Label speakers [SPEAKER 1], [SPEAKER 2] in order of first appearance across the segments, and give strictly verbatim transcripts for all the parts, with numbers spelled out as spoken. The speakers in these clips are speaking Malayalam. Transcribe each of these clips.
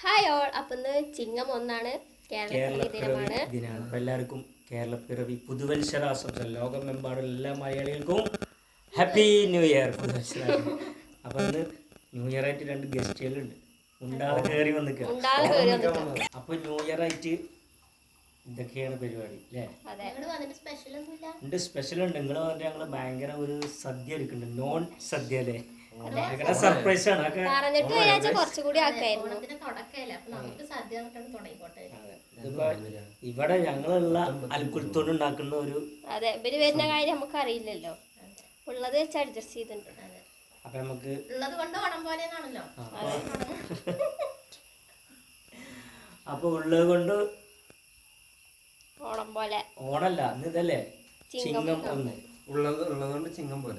[SPEAKER 1] Hi all. അപ്പം ഇന്ന് ചിങ്ങം ഒന്നാണ്, കേരളപ്പിറവി ദിനമാണ്.
[SPEAKER 2] അപ്പം എല്ലാവർക്കും കേരളപ്പിറവി പുതുവത്സരാശംസകൾ. ലോകമെമ്പാടുള്ള എല്ലാ മലയാളികൾക്കും ഹാപ്പി ന്യൂ ഇയർ പുതുവത്സര. അപ്പം ഇന്ന് ന്യൂ ഇയർ ആയിട്ട് രണ്ട് ഗസ്റ്റുകളുണ്ട്. ഉണ്ടാതെ കയറി വന്നിക്കുക. അപ്പം ന്യൂ ഇയർ ആയിട്ട് ഇതൊക്കെയാണ് പരിപാടി അല്ലേ? ഉണ്ട്, സ്പെഷ്യൽ ഉണ്ട്. നിങ്ങൾ പറഞ്ഞാൽ ഞങ്ങൾ ഭയങ്കര ഒരു സദ്യ എടുക്കുന്നുണ്ട്, നോൺ സദ്യ അല്ലേ? സർപ്രൈസ് ആണ്. ഇവിടെ ഞങ്ങളുള്ള അൽക്കുലത്തോട് ഉണ്ടാക്കുന്ന ഒരു
[SPEAKER 1] അതെ ഇവര് വരുന്ന കാര്യം നമുക്ക് അറിയില്ലല്ലോ, ഉള്ളത് വെച്ച് അഡ്ജസ്റ്റ് ചെയ്തിട്ടുണ്ട്.
[SPEAKER 2] അപ്പൊ നമുക്ക്
[SPEAKER 3] ഉള്ളത് കൊണ്ട് ഓണം പോലെയാണല്ലോ.
[SPEAKER 2] അപ്പൊ ഉള്ളത് കൊണ്ട്
[SPEAKER 1] ഓണം പോലെ
[SPEAKER 2] ഓണല്ല, ഇന്ന് ഇതല്ലേ ചിങ്ങം ഒന്ന്.
[SPEAKER 4] ഉള്ളത് ഉള്ളത് കൊണ്ട് ചിങ്ങം പോലെ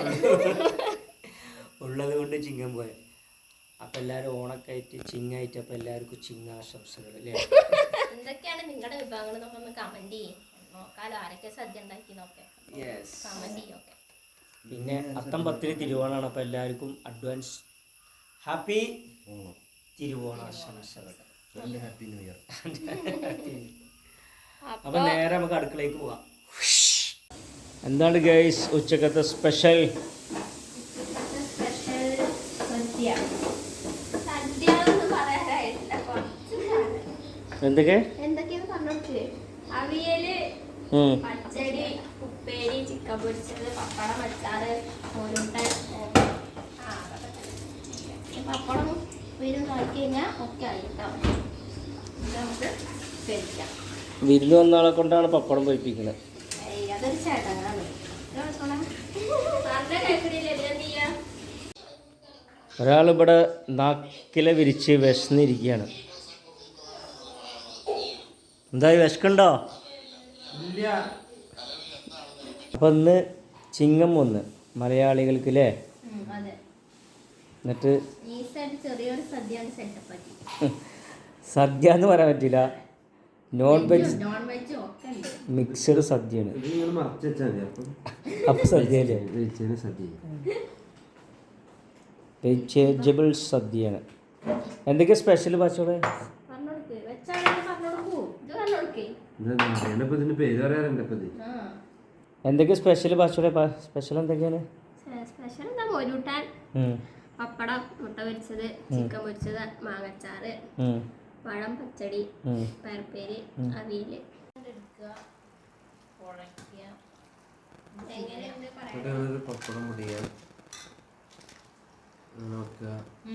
[SPEAKER 2] ഉള്ളത് കൊണ്ട് ചിങ്ങം പോലെ. അപ്പം എല്ലാവരും ഓണൊക്കെ ആയിട്ട് ചിങ്ങായിട്ട് അപ്പം എല്ലാവർക്കും ചിങ്ങാശംസകൾ അല്ലേ?
[SPEAKER 3] എന്തൊക്കെയാണ് നിങ്ങളുടെ വിഭവങ്ങൾ എന്നൊക്കെ ഒന്ന് കമന്റ് ചെയ്യും. നോക്കാലോ ആരൊക്കെ സദ്യ ഉണ്ടാക്കി നോക്കാം. കമന്റ് ചെയ്യൊക്കെ.
[SPEAKER 2] പിന്നെ അത്തം പത്തിന് തിരുവോണമാണ്. അപ്പം എല്ലാവർക്കും അഡ്വാൻസ് ഹാപ്പി തിരുവോണാശംസകൾ.
[SPEAKER 4] Happy new year.
[SPEAKER 2] അപ്പം നേരെ നമുക്ക് അടുക്കളയ്ക്ക് പോവാം. എന്താണ് ഗൈസ് ഉച്ചക്കത്തെ സ്പെഷ്യൽ? എന്തൊക്കെ
[SPEAKER 1] എന്തൊക്കെയാണ് പറഞ്ഞോക്ക്? അവിയല്, പച്ചടി, ഉപ്പേരി, ചിക്കൻ പൊരിച്ചത്, പപ്പടം, അച്ചാറ്, കോലുണ്ടൻ. പപ്പടം ഉപ്പേരും നോക്കി കഴിഞ്ഞാൽ ഒക്കെ ആയിട്ടോ. നമുക്ക് കഴിക്കാം.
[SPEAKER 2] വിരുന്ന് വന്ന ആളെ കൊണ്ടാണ് പപ്പടം പൊരിപ്പിക്കുന്നത്.
[SPEAKER 1] അതൊരു ചേട്ടനാണ്.
[SPEAKER 2] ഒരാളിവിടെ നാക്കിലെ വിരിച്ച് വിശന്നിരിക്കുകയാണ്. എന്തായി, വിശക്കുണ്ടോ? അപ്പം ഇന്ന് ചിങ്ങം ഒന്ന് മലയാളികൾക്ക് അല്ലേ? എന്നിട്ട് സദ്യ എന്ന് പറയാൻ പറ്റില്ല, നോൺ വെജ് മിക്സഡ് സദ്യയാണ്. അപ്പം സദ്യ അല്ലേ? വെജിറ്റബിൾ സദ്യയാണ്. എന്തൊക്കെയാ സ്പെഷ്യൽ പാച്ചോടെ? എന്തൊക്കെയാ സ്പെഷ്യൽ പാച്ചോടെ? സ്പെഷ്യൽ എന്തൊക്കെയാണ്?
[SPEAKER 1] സ്പെഷ്യൽ എന്താ, മോരൂട്ടാൻ, പപ്പടം, മുട്ട പൊരിച്ചത്, ചിക്കൻ പൊരിച്ചത്, മാങ്ങച്ചാറ്, പഴം, പച്ചടി, പയർപ്പേര്, അവിയല്.
[SPEAKER 4] പപ്പടം മുടിയാ നോക്കുക.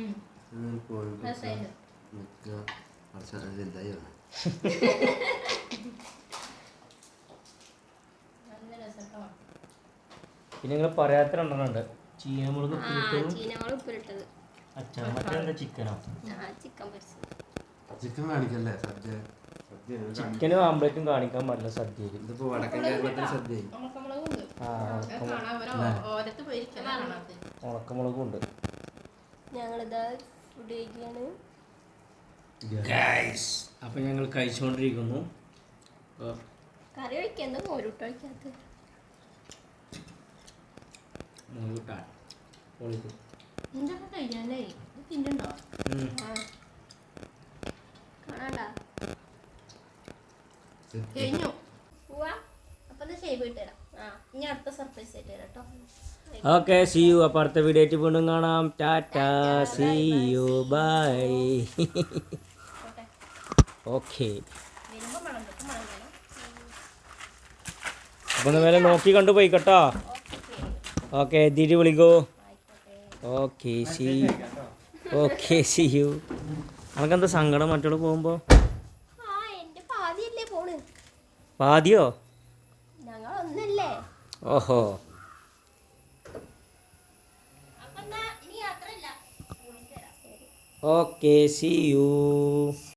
[SPEAKER 2] പിന്നെ നിങ്ങൾ പറയാത്ത രണ്ടെണ്ണുണ്ട്. ചീനമുളക്
[SPEAKER 1] ഉപ്പിലിട്ടത്,
[SPEAKER 2] അച്ഛാ മറ്റെന്താ ചിക്കനോ?
[SPEAKER 1] ചിക്കൻ പൊരിച്ചത്.
[SPEAKER 4] ചിക്കൻ കാണിക്കല്ലേ സദ്യ?
[SPEAKER 2] ചിക്കനും ആംപ്ലേറ്റും കാണിക്കാൻ പാടില്ല സദ്യയിൽ.
[SPEAKER 4] ഇതിപ്പോ വടക്കൻ കേരളത്തിൽ സദ്യ.
[SPEAKER 2] ഉണക്കമുളകും ഉണ്ട്.
[SPEAKER 1] ഞങ്ങളിതാ ഫുഡ് കഴിക്കുകയാണ്.
[SPEAKER 2] അപ്പം ഞങ്ങൾ കഴിച്ചുകൊണ്ടിരിക്കുന്നു.
[SPEAKER 1] കറി ഒഴിക്കുക, എന്താ മോരൂട്ട് ഒഴിക്കാത്ത? എന്തൊക്കെ കഴിക്കാനേ തിന്നുണ്ടോ? കാണാണ്ടാ കഴിഞ്ഞു പോവാ. അപ്പം ഷേവ് ഇട്ട് തരാം. ആ ഇനി അടുത്ത സർപ്രൈസ് ആയിട്ട് തരാം കേട്ടോ.
[SPEAKER 2] Okay, see you. അപ്പോൾ അടുത്ത വീഡിയോ ആയിട്ട് വീണ്ടും കാണാം. Tata, see you, bye. Okay, അപ്പം മേലെ നോക്കി കണ്ടു പോയി കേട്ടോ. ഓക്കെ, തിരി വിളിക്കോ. Okay, see okay see you. നമുക്കെന്താ സങ്കടം മറ്റുള്ള പോകുമ്പോൾ? പാതിയോ? ഓഹോ. Okay, see U.